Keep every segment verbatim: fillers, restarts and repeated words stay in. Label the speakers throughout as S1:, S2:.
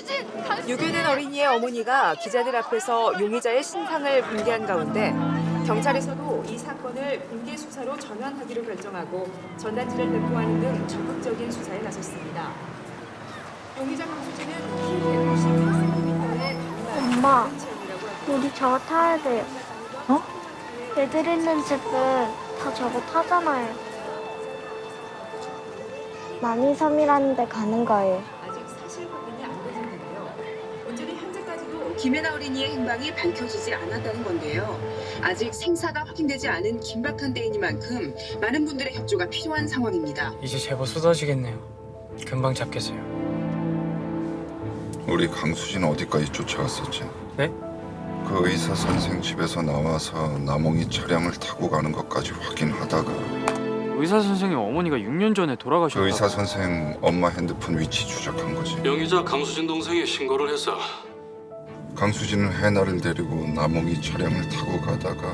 S1: 유괴된 어린이의 어머니가 기자들 앞에서 용의자의 신상을 공개한 가운데 경찰에서도 이 사건을 공개 수사로 전환하기로 결정하고 전단지를 배포하는 등 적극적인 수사에 나섰습니다. 용의자 강수진은 키 백오십 센티미터의
S2: 엄마, 우리 저거 타야 돼요.
S3: 어?
S2: 애들 있는 집은 다 저거 타잖아요. 남이섬이라는 데 가는 거예요.
S1: 아직 사실 확인이 안 되는데요. 문제는 현재까지도 김혜나 어린이의 행방이 밝혀지지 않았다는 건데요. 아직 생사가 확인되지 않은 긴박한 때이니만큼 많은 분들의 협조가 필요한 상황입니다.
S3: 이제 제법 쏟아지겠네요. 금방 잡겠어요.
S4: 우리 강수진 어디까지 쫓아갔었지?
S3: 네?
S4: 그 의사 선생 집에서 나와서 남홍이 차량을 타고 가는 것까지 확인하다가
S3: 의사 선생님 어머니가 육 년 전에 돌아가셨다.
S4: 그 의사 선생 엄마 핸드폰 위치 추적한 거지.
S5: 용의자 강수진 동생이 신고를 해서
S4: 강수진은 해나를 데리고 남홍이 차량을 타고 가다가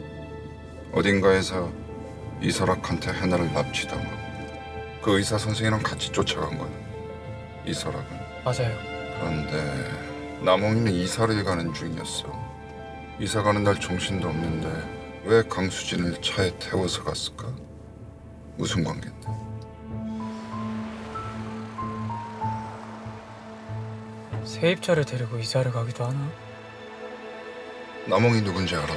S4: 어딘가에서 이설학한테 해나를 납치당하고 그 의사 선생이랑 같이 쫓아간 거야. 이설학은.
S3: 맞아요.
S4: 그런데 남홍이는 이사를 가는 중이었어. 이사 가는 날 정신도 없는데 왜 강수진을 차에 태워서 갔을까? 무슨 관계인데?
S3: 세입자를 데리고 이사를 가기도 하나?
S4: 남홍이 누군지 알아봐.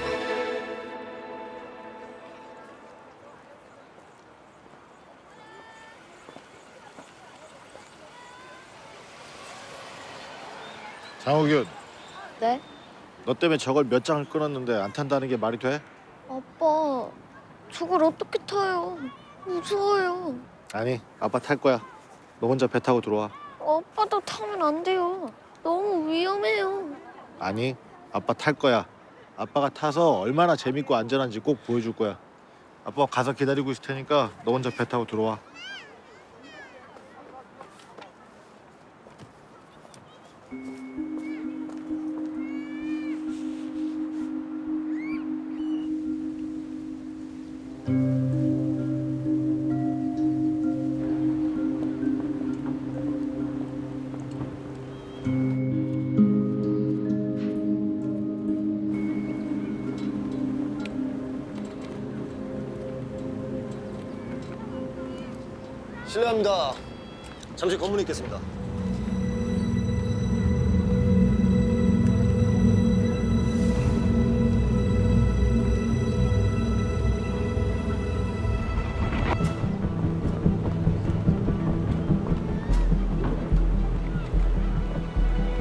S6: 장호균,
S2: 네?
S6: 너 때문에 저걸 몇 장을 끊었는데 안 탄다는 게 말이 돼?
S2: 아빠, 저걸 어떻게 타요? 무서워요.
S6: 아니, 아빠 탈 거야. 너 혼자 배 타고 들어와.
S2: 아빠도 타면 안 돼요. 너무 위험해요.
S6: 아니, 아빠 탈 거야. 아빠가 타서 얼마나 재밌고 안전한지 꼭 보여줄 거야. 아빠 가서 기다리고 있을 테니까 너 혼자 배 타고 들어와.
S7: 실례합니다. 잠시 검문에 있겠습니다.